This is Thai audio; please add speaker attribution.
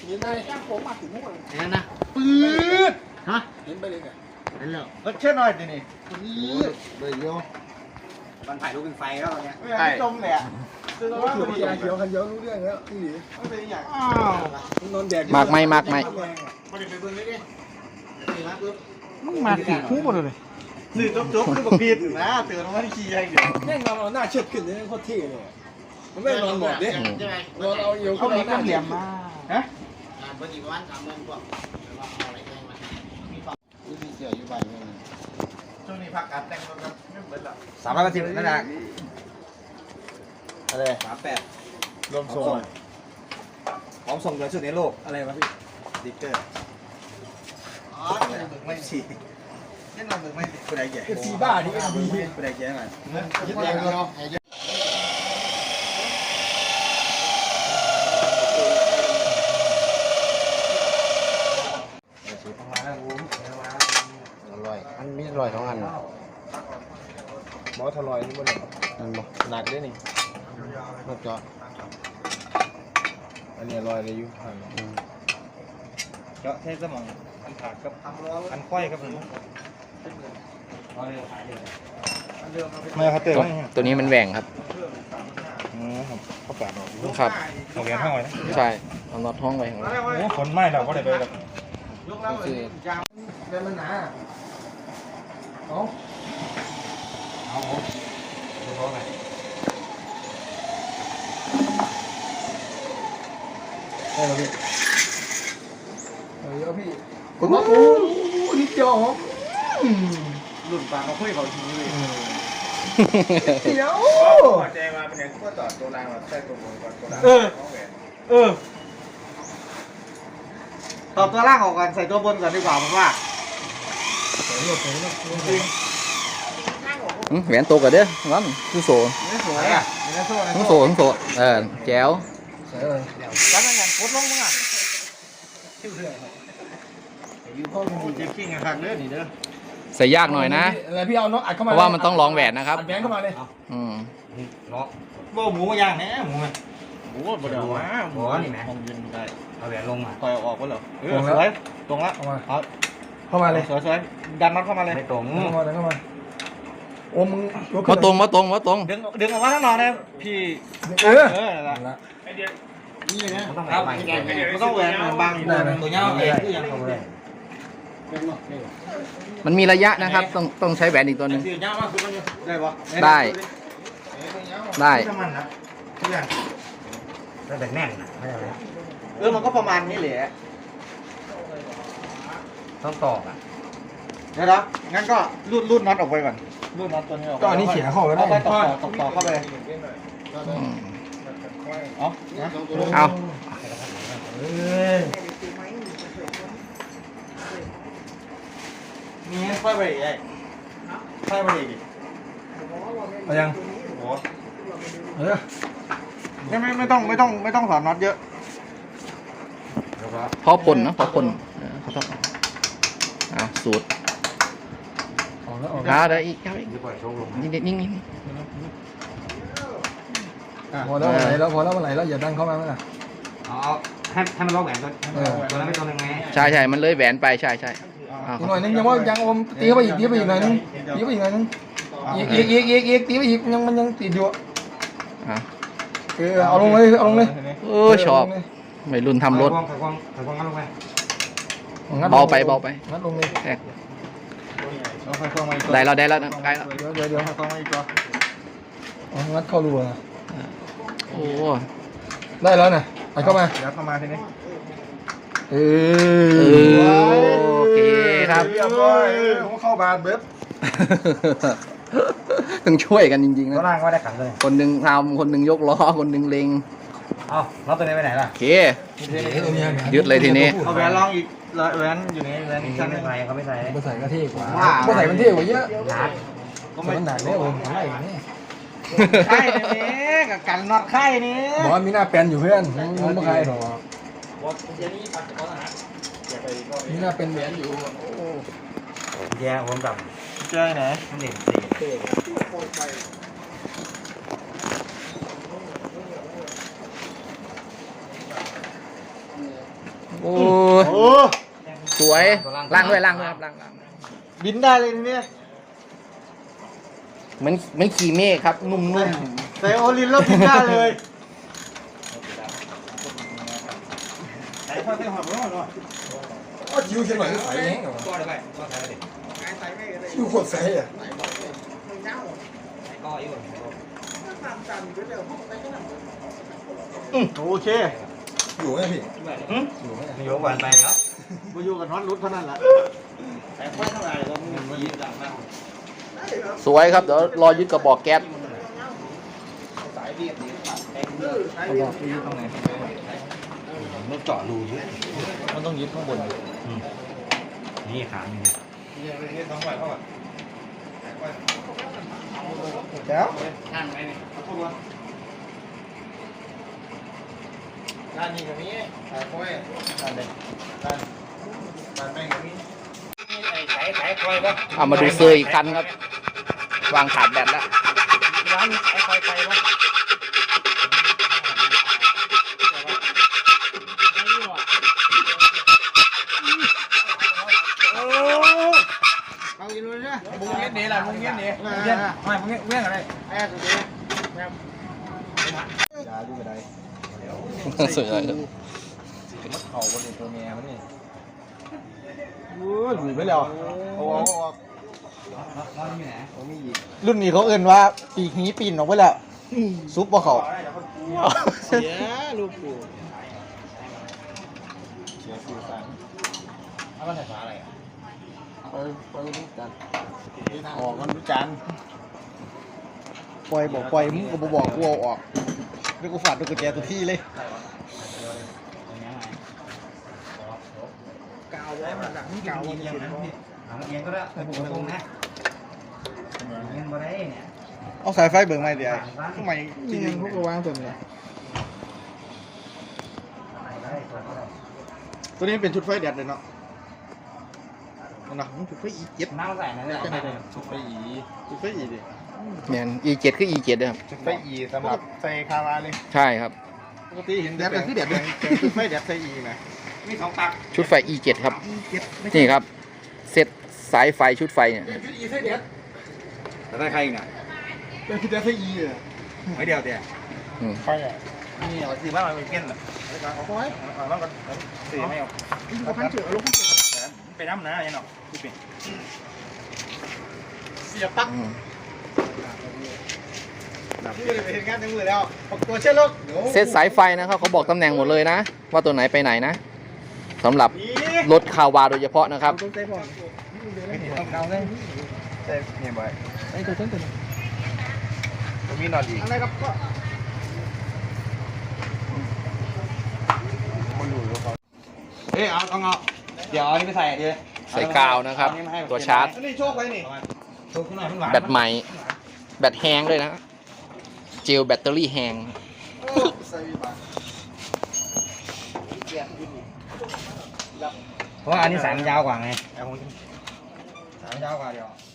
Speaker 1: เห็นได้แก้มผมมาถึงหัวเลย
Speaker 2: เห็นนะ
Speaker 1: ปืด
Speaker 2: ฮะ
Speaker 1: เห็นไปเลยไง
Speaker 2: เห็นแล้ว
Speaker 1: เชื่อหน่อยดินี่ปืด
Speaker 2: เลยโย
Speaker 3: มันถ่ายรูปเป็นไฟแล้วตอนเนี้ย
Speaker 1: ไม่จมเลยอ่ะคือว่ามันยาเขียวกันเยอะรู้เรื่องแล้วพี่หลีไม่เป็นอย่างอ้าวนอนแดด
Speaker 4: มากไหมมากไหม
Speaker 3: มาเดี๋ยวไปเบิ่งเลยดินี่นะปึ๊บ
Speaker 1: มึงมาถึงคู่หมดเลย
Speaker 3: สื่อจบคือบอกพีดอยู่นะเตือนว่าที่ขี้ยังเดียว
Speaker 1: แม่งนอนหน้าเชิดขึ้นเลยโคตรเท่เลยมันไม่นอนหมดดิ
Speaker 3: ใช่ไหม
Speaker 1: นอนเอาเอวเข้าหน้าเหลี่ยมมาฮะ
Speaker 3: ปกติประมาณ30,000กว่าเอาอะไรแกงมา
Speaker 2: มีเสียอยู่บ้านนี่
Speaker 3: ช่วงนี้พักการแต่งรถครับไม่เบิดละ
Speaker 2: 380นั่นแหละอะไร
Speaker 3: 38
Speaker 2: รวมส่งของส่งเดือนสุดในโลก
Speaker 3: อะไรวะพี่
Speaker 2: ดิกเกอร์อ๋อนี่มันไม่ฉีนี่มันไม่ผู้ใดแก่
Speaker 1: เอฟซีบ้าดิเอ็มดี
Speaker 2: ผู้ใดแก่ไหม
Speaker 1: ยึดแรงเนาะ
Speaker 2: อร่อยอันมีอร่อย2อัน
Speaker 1: หมอทลอยนี่บ่ได้
Speaker 2: นั่นบ่
Speaker 1: หนักด้วยนี่
Speaker 2: รสเจาะ
Speaker 1: อันนี้ลอยเลยอยู่
Speaker 3: เจาะเทสมองอันขาดกับอันค่อยครับผมไม่ครับเตือน
Speaker 4: ตัวนี้มันแหว่งครับ
Speaker 3: เขาแปด
Speaker 4: ครับ
Speaker 3: เอาเหรียญห้างไว้นะ
Speaker 4: ใช่เอาน็อตห้องไว้ของเรา
Speaker 3: โอ้ฝนไหม้เราก็ได้ไปแล้ว
Speaker 1: ยกแล้วเดินมันหนาเอาได้แล้วพี่เยอะพี่คุณว่าโอ้นิดเดียวเหรอ
Speaker 3: หลุดปากมาคุยเขาทีนี้เลย
Speaker 1: เดี๋ยว
Speaker 3: แจมาเป็นอย่างก็ต่อตัวรางแบบใส่ตัวบนก่อนตัวราง ตอบตัวล่างออกก่อนใส่ตัวบนก่อนดีกว่าผมว่า
Speaker 4: แหวนโตกันเด้องั้นคือโซ่
Speaker 3: ไม่สวยอ่ะไม่สวย
Speaker 4: ทั้งโซ่ทั้งโซ่แจ๋ว
Speaker 3: แล้วนั่นไงโคตรลงมึงอ่ะยูพ่อมึงเจ็บขี้งหักเด้อนี่เด้อ
Speaker 4: ใส่ยากหน่อยนะ
Speaker 1: อะไรพี่เอาน้องอัดเข้า
Speaker 4: เพ
Speaker 1: มา
Speaker 4: ราะว่ามันต้องร้องแหวนนะครับ
Speaker 1: อัดแบงค์เข้ามาเลย
Speaker 4: อืม
Speaker 3: เนาะว่าหมูย่างแน่หมูมันหมูบ่ได้ว่าหมูนี่แม่ยืนได้เอาแหวนลงมาคอยออกก็เหรอสวยตรงละ
Speaker 1: เข้ามา
Speaker 3: เอา
Speaker 1: เข้ามาเลย
Speaker 3: สวยดันน็อตเข้ามาเลยไม่ตรง
Speaker 1: เข้ามาเลยเข้ามาโอ้มึง
Speaker 4: มาตรงมาตรงมาตรง
Speaker 3: ดึงออกมาทั้งนอนเลยพี่
Speaker 1: เออ
Speaker 3: นั่นแหละ
Speaker 2: นี่นะ
Speaker 3: มันต้องแหวนมันต้องแหวนบางตัวเงาเองคือยังเขาเลย
Speaker 4: มันมีระยะนะครับ ต้องใช้แหวนอีกตัวหนึ่ง
Speaker 3: ได้ปะ
Speaker 4: ได้ได้
Speaker 3: ถ้ามันนะทุกอย่างแต่แน่นนะไม่ใช่มันก็ประมาณนี้แหละต้องตอกอ่ะเดี๋ยวนะงั้นก็รูดน็อตออกไปก่อนรูดน็อตตัวนี้ออก
Speaker 1: ก็อันนี้เขียนเข้าไปได้
Speaker 3: ต่อเข้าไป
Speaker 4: อืม
Speaker 3: เอา
Speaker 4: เอา
Speaker 3: มีค่อยไปอีกค่อยไปอีก
Speaker 1: เอายัง
Speaker 3: โอ้
Speaker 1: เออ
Speaker 3: ไม่ต้องสอนน็อตเยอะ
Speaker 4: พอปนนะพอปนเขาต้องเอาสูตร
Speaker 1: ออกแล้วออก
Speaker 4: เอาได้อีกเอาอีกนิ่งๆนิ่ง
Speaker 1: พอแล้วไหลแล้วพอแล้วไหลแล้วอย่าดันเข้ามาเมื่อไหร่
Speaker 3: เอาให้มันล็อกแหวนตัวนั้นไม่ตัวนึงไง
Speaker 4: ๆใช่ใช่มันเลยแหวนไปใช่ใช่เอา
Speaker 1: อีกหน่อยนึงยังว่ายังอมตีเข้าไปอีกตีเข้าไปอีกหน่อยนึงตีเข้าไปอีกหน่อยนึงอีกตีไปอีกยังมันยังติดอยู่
Speaker 4: เอา
Speaker 1: เอาลงเลยเอาลงเลย
Speaker 4: ชอบไม่รุ่นทำรถ
Speaker 3: ถ่ายความงั้นลงไป
Speaker 4: เบาไปเบาไป
Speaker 1: งัดลงเลย
Speaker 4: แทก
Speaker 3: เอาถ่ายความมาอีก
Speaker 4: ได้แล้วได้แล้วใกล้แล้ว
Speaker 1: เดี๋ยว
Speaker 3: ถ่ายความมาอีกตัว
Speaker 1: งัดเข้ารูนะ
Speaker 4: โอ้
Speaker 1: ได้แล้วนะไปเข้ามา
Speaker 3: เดี๋ยวเข้ามาทีนี้
Speaker 1: เอ
Speaker 4: โอเคครับ
Speaker 1: เรียบร้อยผมเข้าบาทเบ็ด
Speaker 4: ต้องช่วยกันจริงๆ
Speaker 3: ตัว
Speaker 4: นะ
Speaker 3: ล่างก็ได้ขันเลย
Speaker 4: คนหนึ่งทำคนหนึ่งยกล้อคนหนึ่งเล็ง
Speaker 3: เอาแล้วตัวนี้ไปไหนล่ะ
Speaker 4: โอเคยึดเลยทีนี้
Speaker 3: เอาแหวนลองอีกแหวนอยู่ในแหวนอีกชั้นนึงใส่เขาไม่ใส่
Speaker 1: ไม่ใส่ก็เท่กว่าไม่ใส่มันเท่กว่าเยอะ
Speaker 3: หนัก
Speaker 1: ก็มันหนักเนี่ยผมอะไรนี่
Speaker 3: ไข่นี่กับกันน็อตไข่นี่
Speaker 1: บอกว่ามีหน้าแปนอยู่เพื่อนมันไม่ใครหรอกมีหน้าเป็นแหวนอยู่
Speaker 3: แย่ผมดำเจ้าไหนมันเด่นสี
Speaker 4: โอ้ย
Speaker 3: โอ้
Speaker 4: สวยล่างด้วยครับล่าง
Speaker 3: บินได้เลยทีนี้
Speaker 4: เหมือนขี่เมฆครับนุ่ม
Speaker 3: ใส่โอลินแล้วบินได้เลยใส่ข้อใส่หัวหน่อย
Speaker 1: ก็คิวเชียงใหม่ก็ใส่แห้งกับ
Speaker 3: ก็ได้ไปก็ใส่ได้
Speaker 1: คิวโคตรใส่อ่ะ
Speaker 3: ก็อยู่โอเค
Speaker 1: อยู่ไหมพี่
Speaker 3: อยู่ไหมอยู่หวานไปครับมาอยู่กับน็อตรุดเท่านั้นแหละแต่ค่อยเท่าไหร่เราไม่ยินหลังนะ
Speaker 4: ๆสวยครับเดี๋ยวรอยึดกระบอกแก๊ส
Speaker 3: สายเรียบดีกระบอกที่ยึดตรงไหนมันเจาะรูเยอะมันต้องยึดข้างบนนี่ขานี่นี่ต้องไหวเข้าก่อนแล้วนั่นไหมเนี่ยด้านนี้ตรงนี้สายค่อยด้านไหนด้านแม่งตรงนี้สายค่อยปะ
Speaker 4: เอามาดูเซอร์อีกคันครับวางขาดแบตแล้ว
Speaker 3: ร้านสายค่อยไปปะเอากินเลยนะมุ้งเงี้ยนี่แหละมุ้งเงี้ยนี่มุ้งเงี้ยไม่มุ้งเงี้ยเงี้ยอะไรแอบตัวนี้แอบยาดูไปได้
Speaker 4: สวยครับ
Speaker 3: มัดเข่าบนตัวเมียมันนี่โอ้ยหลุยไปแล้วเอารุ่นนี้เขาเอื่นว่าปีกนี้ปีนออกไปแล้วซุปบ่เขาเสียลูกปูเสียสื่อสารเอามาใส่ฝาอะไรไปรู้จันออกมันรู้จันปล่อยบอกปล่อยมึงก็บอกกูเอาออกไม่กูฝาดดูกุญแจตัวที่เลยกาวไว้มันดังกาวมันยังนะเอียงก็ได้แต่ผมตรงนะเอียงมาได้เนี่ยเอาสายไฟเบิ่งไม่เดี๋ยวทำไมจริงๆพวกเราวางตัวนี้ตัวนี้เป็นชุดไฟแดดเลยเนาะนะชุดไฟอีเจ็ดน้ำใส่นะเนี่ยชุดไฟอีดิ
Speaker 4: เนี่ย E7 คือ E7 นะครับ
Speaker 3: ชุดไฟอีสำหรับใส่คาราเลย
Speaker 4: ใช่ครับ
Speaker 3: ปกติเห็นแดดเป็นที่แดดเลยชุดไฟแดดใส่อีไหมมีสองตัก
Speaker 4: ชุดไฟ E7 ครับนี่ครับเซตสายไฟชุดไฟเนี่ย
Speaker 1: อีใส่เด็ด
Speaker 3: แต่ได้ใครอีกอ่ะ
Speaker 1: เป็นพี่เด็ดใส่อีอ่ะ
Speaker 3: ไม่เดียวเดียว
Speaker 4: อืม
Speaker 3: ไฟอ่ะนี่เอาสีบ้านเราเป็นเกี้ยนเหรอเอาไว้เอาบ้านกันสีไม่เอาเอาพันเจือลูกพันเจือไปน้ำนะยันเนาะพี่เป็นเสียปัก
Speaker 4: อืม
Speaker 3: พี่ไปเห็นงานในมือแล้วตัวเชื่อลูก
Speaker 4: เซตสายไฟนะครับเขาบอกตำแหน่งหมดเลยนะ ว่าตัวไหนไปไหนนะสำหรับรถคาวาโดยเฉพาะนะครับ
Speaker 3: ต้องใจผมต้องเกาเลยใจเนี่ยบ่อยไอ้ตัวเต้นตัวมีนอนอีกอะไรครับก็เอ้เอาเดี๋ยวอันนี้ไปใส่ดี
Speaker 4: ใส่กาวนะครับ ตัวชาร์จ
Speaker 3: นี่โชคไว้นี่โชคขึ้นหน่อยมันหวาน
Speaker 4: แบตใหม่แบตแห้งด้วยนะเจลแบตเตอรี่แห้ง
Speaker 3: เพราะว่าอันนี้สายมันยาวกว่าไงสายมันยาวกว่าเดียว